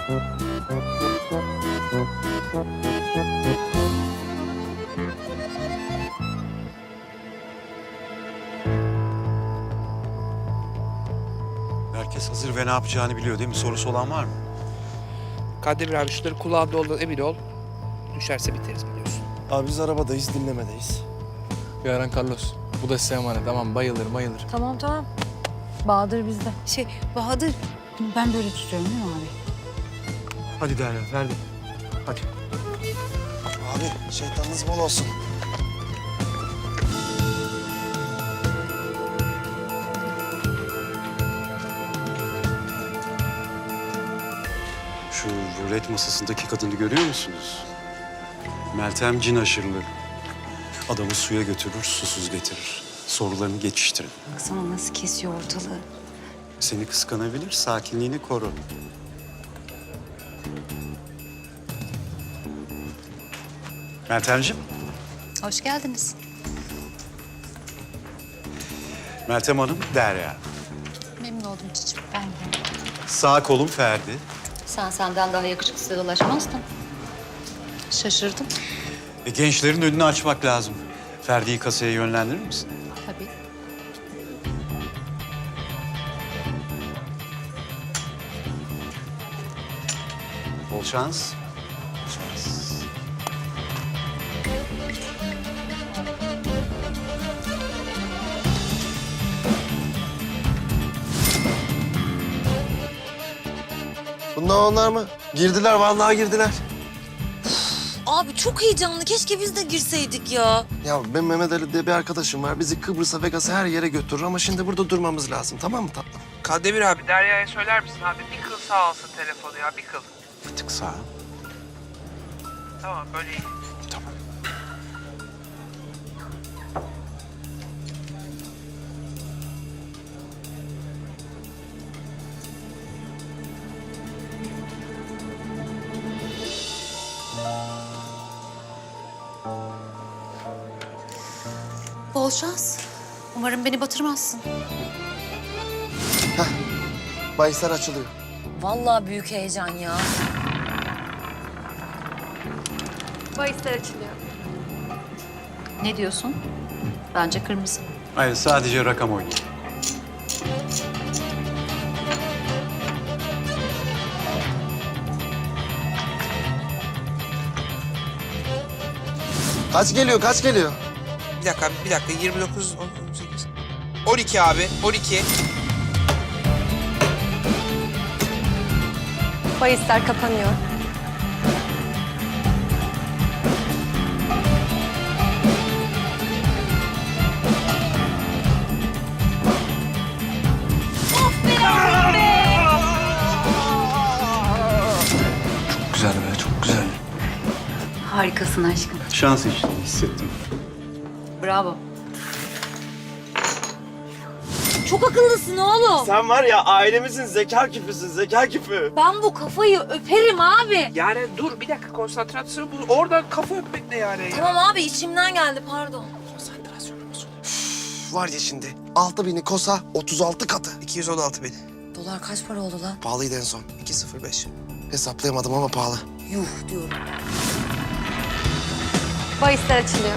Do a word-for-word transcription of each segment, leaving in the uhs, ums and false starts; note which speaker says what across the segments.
Speaker 1: Herkes hazır ve ne yapacağını biliyor değil mi? Sorusu olan var mı?
Speaker 2: Kandemir abi şunları kulağında olduğundan emin ol. Düşerse biteriz biliyorsun.
Speaker 3: Abi biz arabadayız, dinlemedeyiz.
Speaker 4: Yaren Carlos. Bu da size emanet. Tamam bayılır bayılır.
Speaker 5: Tamam tamam. Bahadır bizde.
Speaker 6: Şey Bahadır, ben böyle tutuyorum değil mi abi?
Speaker 1: Hadi Derya, Ferdi. Hadi.
Speaker 3: Abi şeytanınız bol olsun.
Speaker 1: Şu rulet masasındaki kadını görüyor musunuz? Meltem cin aşırılı. Adamı suya götürür, susuz getirir. Sorularını geçiştirin.
Speaker 6: Baksana nasıl kesiyor ortalığı.
Speaker 1: Seni kıskanabilir, sakinliğini koru. Meltemciğim,
Speaker 6: Hoş geldiniz.
Speaker 1: Meltem Hanım, Derya.
Speaker 6: Memnun oldum cicim. Ben de.
Speaker 1: Sağ kolum Ferdi.
Speaker 6: Sen senden daha yakışıklıya dolaşmazdın. Şaşırdım.
Speaker 1: E, gençlerin önünü açmak lazım. Ferdi'yi kasaya yönlendirir misin?
Speaker 6: Tabii.
Speaker 1: Bol şans. Bol şans.
Speaker 3: Bunlar onlar mı? Girdiler, vallahi girdiler.
Speaker 5: Abi çok heyecanlı. Keşke biz de girseydik ya.
Speaker 3: Ya ben Mehmet Ali diye bir arkadaşım var. Bizi Kıbrıs'a, Vegas'a her yere götürür ama şimdi burada durmamız lazım. Tamam mı tatlım?
Speaker 2: Kandemir abi Derya'ya söyler misin abi? Bir kıl sağ alsın telefonu ya, bir kıl.
Speaker 1: Bir tık sağa.
Speaker 2: Tamam böyle iyi.
Speaker 1: Tamam.
Speaker 6: Bol şans. Umarım beni batırmazsın.
Speaker 3: Bahisler açılıyor.
Speaker 5: Vallahi büyük heyecan ya.
Speaker 7: Bahisler açılıyor.
Speaker 6: Ne diyorsun? Bence kırmızı.
Speaker 1: Hayır, sadece rakam oynayın.
Speaker 3: Kaç geliyor, kaç geliyor?
Speaker 2: Bir dakika abi, bir dakika. yirmi dokuz, on sekiz. on iki abi, on iki.
Speaker 7: Bahisler kapanıyor.
Speaker 4: Güzel be çok güzel.
Speaker 6: Harikasın aşkım.
Speaker 1: Şans işte, hissettim.
Speaker 6: Bravo.
Speaker 5: Çok akıllısın oğlum.
Speaker 3: Sen var ya ailemizin zeka küpüsün, zeka küpü.
Speaker 5: Ben bu kafayı öperim abi.
Speaker 2: Yani dur bir dakika, konsantrasyon bu. Oradan kafa öpmek ne yani ya?
Speaker 5: Tamam abi içimden geldi pardon.
Speaker 3: Var ya şimdi altı bini kosa otuz altı katı.
Speaker 2: iki yüz on altı bin.
Speaker 5: Dolar kaç para oldu lan?
Speaker 3: Pahalıydı en son.
Speaker 2: iki sıfır beş.
Speaker 3: Hesaplayamadım ama pahalı.
Speaker 5: Yuh diyorum.
Speaker 7: Bahisler açılıyor.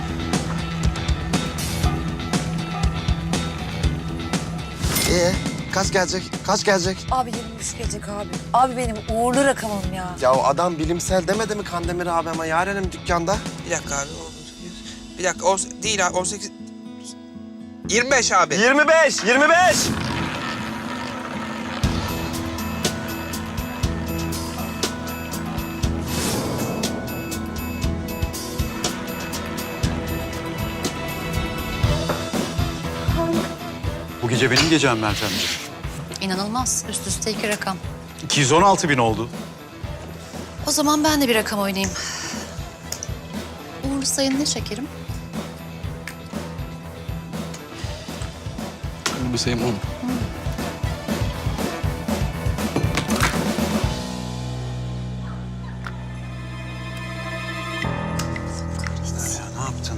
Speaker 3: Ee, kaç gelecek? Kaç gelecek?
Speaker 5: Abi yirmi üç gelecek abi. Abi benim uğurlu rakamım ya.
Speaker 3: Ya o adam bilimsel demedi mi Kandemir abi ama yarenim dükkanda.
Speaker 2: Bir dakika abi. on sekiz. Bir dakika, on, değil abi, on sekiz. yirmi beş abi.
Speaker 3: yirmi beş, yirmi beş.
Speaker 1: Bu gece benim gecem Meltemciğim.
Speaker 6: İnanılmaz. Üst üste iki rakam.
Speaker 1: iki yüz on altı bin oldu.
Speaker 6: O zaman ben de bir rakam oynayayım. Uğurlu sayın ne şekerim?
Speaker 4: Bu sayım on.
Speaker 1: Ya ne yaptın?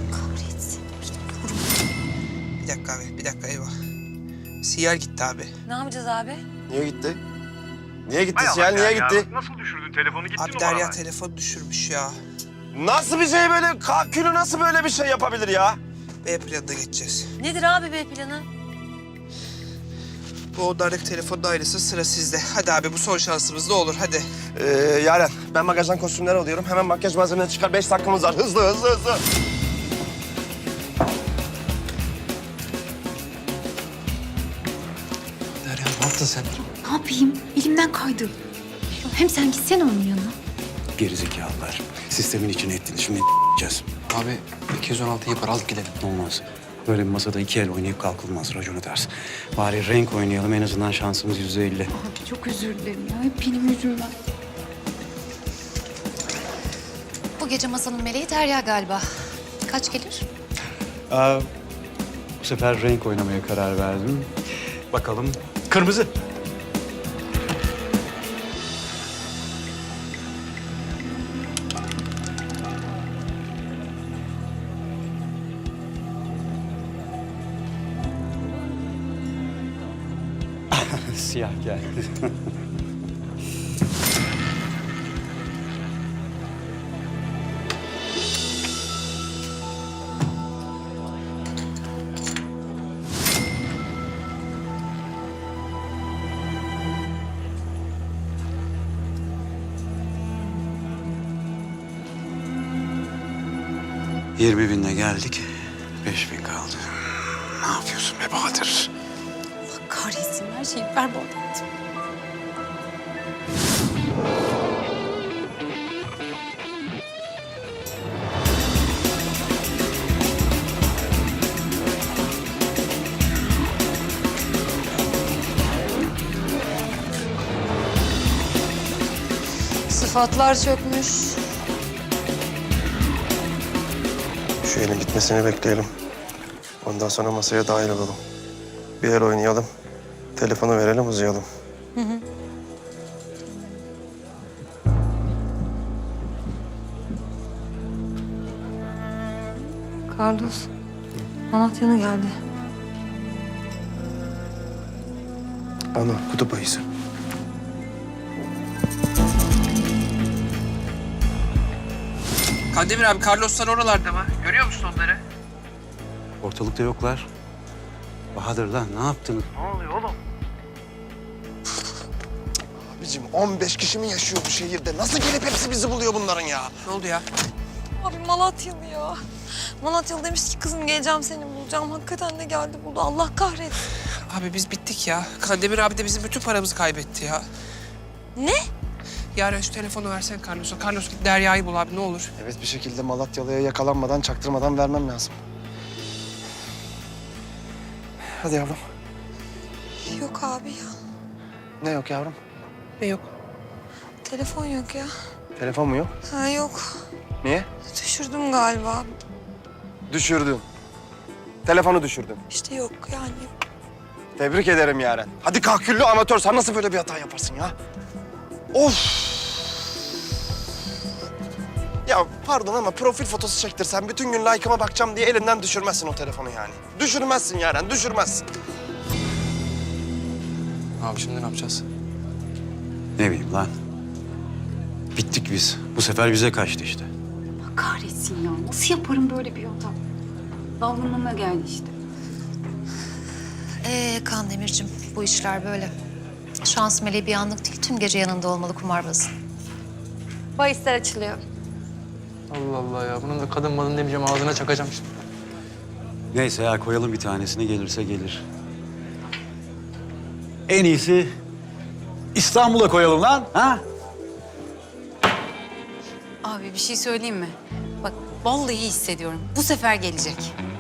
Speaker 2: Bir dakika abi, bir dakika eyvah. Siyer gitti abi.
Speaker 5: Ne yapacağız abi?
Speaker 3: Niye gitti? Niye gitti
Speaker 8: Hay Allah
Speaker 3: Siyah? Niye
Speaker 8: ya.
Speaker 3: gitti?
Speaker 8: Nasıl düşürdün telefonu gitti
Speaker 2: Abi
Speaker 8: numaralar.
Speaker 2: Derya telefon düşürmüş ya.
Speaker 3: Nasıl bir şey böyle? Kalkülü nasıl böyle bir şey yapabilir ya?
Speaker 2: B planına geçeceğiz.
Speaker 5: Nedir abi B planı?
Speaker 2: Bu odalardaki telefonun ailesi sıra sizde. Hadi abi bu son şansımız ne olur hadi.
Speaker 3: Ee, Yaren, ben bagajdan kostümler alıyorum. Hemen makyaj malzemeleri çıkar. Beş dakikamız var. Hızlı, hızlı, hızlı.
Speaker 4: Derya ne yaptın sen?
Speaker 9: Ne yapayım? Elimden kaydı. Hem sen gitsene onun yanına.
Speaker 1: Gerizekalılar. Sistemin içine ettiniz. Şimdi yiyeceğiz.
Speaker 4: Abi iki yüz on altı yapar al gidelim.
Speaker 1: Olmaz. Böyle bir masada iki el oynayıp kalkılmaz. Raconu ters. Bari renk oynayalım. En azından şansımız yüzde elli.
Speaker 9: Abi çok özür dilerim ya. Hep benim yüzümden.
Speaker 6: Bu gece masanın meleği Derya galiba. Kaç gelir?
Speaker 1: Aa, bu sefer renk oynamaya karar verdim. Bakalım. Kırmızı. Siyah geldi. Yirmi binle geldik. Beş bin kaldı. Ne yapıyorsun be Bahadır?
Speaker 9: Allah kahretsin her şeyi berbat ettim.
Speaker 7: Sıfatlar çökmüş.
Speaker 3: Şu elin gitmesini bekleyelim. Ondan sonra masaya dahil olalım. Bir el oynayalım. Telefonu verelim, uzayalım.
Speaker 7: Carlos, Malatya'na geldi.
Speaker 3: Ana, kutup ayısı.
Speaker 2: Kandemir abi Carloslar oralarda mı? Görüyor musun onları?
Speaker 1: Ortalıkta yoklar. Bahadır lan ne yaptın?
Speaker 8: Ne oluyor oğlum?
Speaker 3: Abicim on beş kişi mi yaşıyor bu şehirde? Nasıl gelip hepsi bizi buluyor bunların ya?
Speaker 2: Ne oldu ya?
Speaker 5: Abi Malatyalı ya. Malatyalı demiş ki kızım geleceğim seni bulacağım. Hakikaten de geldi buldu. Allah kahretsin.
Speaker 2: Abi biz bittik ya. Kandemir abi de bizim bütün paramızı kaybetti ya.
Speaker 5: Ne?
Speaker 2: Yarın şu telefonu versen Carlos'a. Carlos git Derya'yı bul abi ne olur.
Speaker 3: Evet, bir şekilde Malatyalı'ya yakalanmadan, çaktırmadan vermem lazım. Hadi yavrum.
Speaker 5: Yok abi ya.
Speaker 3: Ne yok yavrum?
Speaker 2: Ne yok?
Speaker 5: Telefon yok ya.
Speaker 3: Telefon mu yok?
Speaker 5: Ha yok.
Speaker 3: Niye?
Speaker 5: Düşürdüm galiba.
Speaker 3: Düşürdün. Telefonu düşürdün.
Speaker 5: İşte yok yani.
Speaker 3: Tebrik ederim Yaren. Hadi kahküllü amatör, sen nasıl böyle bir hata yaparsın ya? Of! Ya pardon ama profil fotosu çektirsen bütün gün like'ıma bakacağım diye elinden düşürmezsin o telefonu yani. Düşürmezsin Yaren, düşürmezsin.
Speaker 4: Abi şimdi ne yapacağız?
Speaker 1: Ne bileyim lan. Bittik biz. Bu sefer bize kaçtı işte.
Speaker 9: Allah kahretsin ya. Nasıl yaparım böyle bir hata? Davranmama geldi işte.
Speaker 6: Ee Kandemir'cim, bu işler böyle. Şans meleği bir anlık değil, tüm gece yanında olmalı kumarbazın.
Speaker 7: Bahisler açılıyor.
Speaker 4: Allah Allah ya. Bunun da kadın malın demeyeceğim ağzına çakacağım şimdi.
Speaker 1: Neyse ya koyalım bir tanesini gelirse gelir. En iyisi İstanbul'a koyalım lan. Ha?
Speaker 9: Abi bir şey söyleyeyim mi? Bak vallahi iyi hissediyorum. Bu sefer gelecek.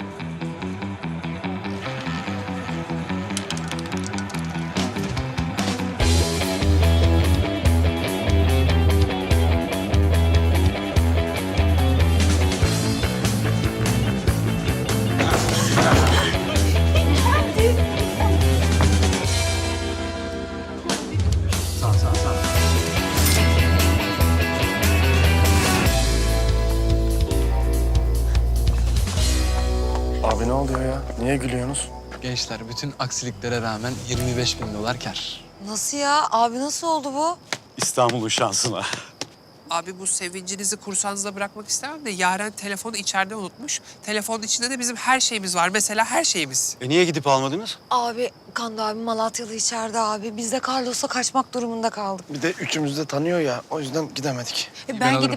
Speaker 3: Abi ne oluyor ya? Niye gülüyorsunuz?
Speaker 4: Gençler bütün aksiliklere rağmen yirmi beş bin dolar kar.
Speaker 5: Nasıl ya? Abi nasıl oldu bu?
Speaker 1: İstanbul'un şansına.
Speaker 2: Abi bu sevincinizi kursanızda bırakmak istemem de Yaren telefonu içeride unutmuş. Telefonun içinde de bizim her şeyimiz var. Mesela her şeyimiz.
Speaker 1: E niye gidip almadınız?
Speaker 5: Abi Kando abi Malatyalı içeride abi. Biz de Carlos'la kaçmak durumunda kaldık.
Speaker 3: Bir de üçümüz de tanıyor ya. O yüzden gidemedik.
Speaker 5: E, ben,
Speaker 4: Ben alırım.
Speaker 5: gidip...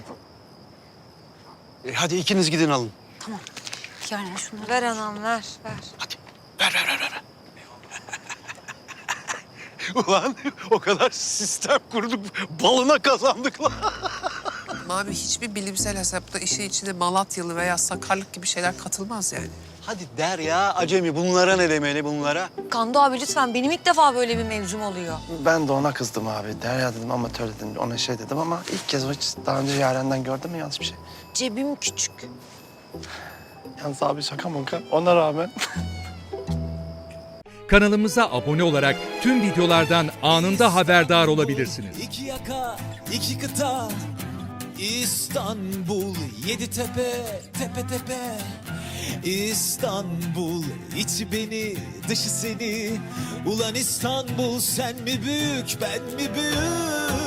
Speaker 1: E hadi ikiniz gidin alın.
Speaker 9: Yaren şunları.
Speaker 5: Ver anam ver ver.
Speaker 1: Ver ver ver ver. Ulan o kadar sistem kurduk, balına kazandık lan.
Speaker 2: Abi hiçbir bilimsel hesapta işin içine Malatyalı veya Sakarlık gibi şeyler katılmaz yani.
Speaker 1: Hadi der ya acemi, bunlara ne demeli bunlara?
Speaker 5: Kando abi lütfen benim ilk defa böyle bir mevzum oluyor.
Speaker 3: Ben de ona kızdım abi. Derya dedim, amatör dedim, ona şey dedim ama ilk kez o hiç daha önce Yaren'den gördüm mü yanlış bir şey.
Speaker 5: Cebim küçük.
Speaker 3: Yalnız abi şaka maka ona rağmen.
Speaker 8: Kanalımıza abone olarak tüm videolardan anında haberdar olabilirsiniz.
Speaker 10: İki yaka, iki kıta, İstanbul, yedi tepe, tepe tepe. İstanbul, içi beni, dışı seni. Ulan İstanbul, sen mi büyük, ben mi büyük?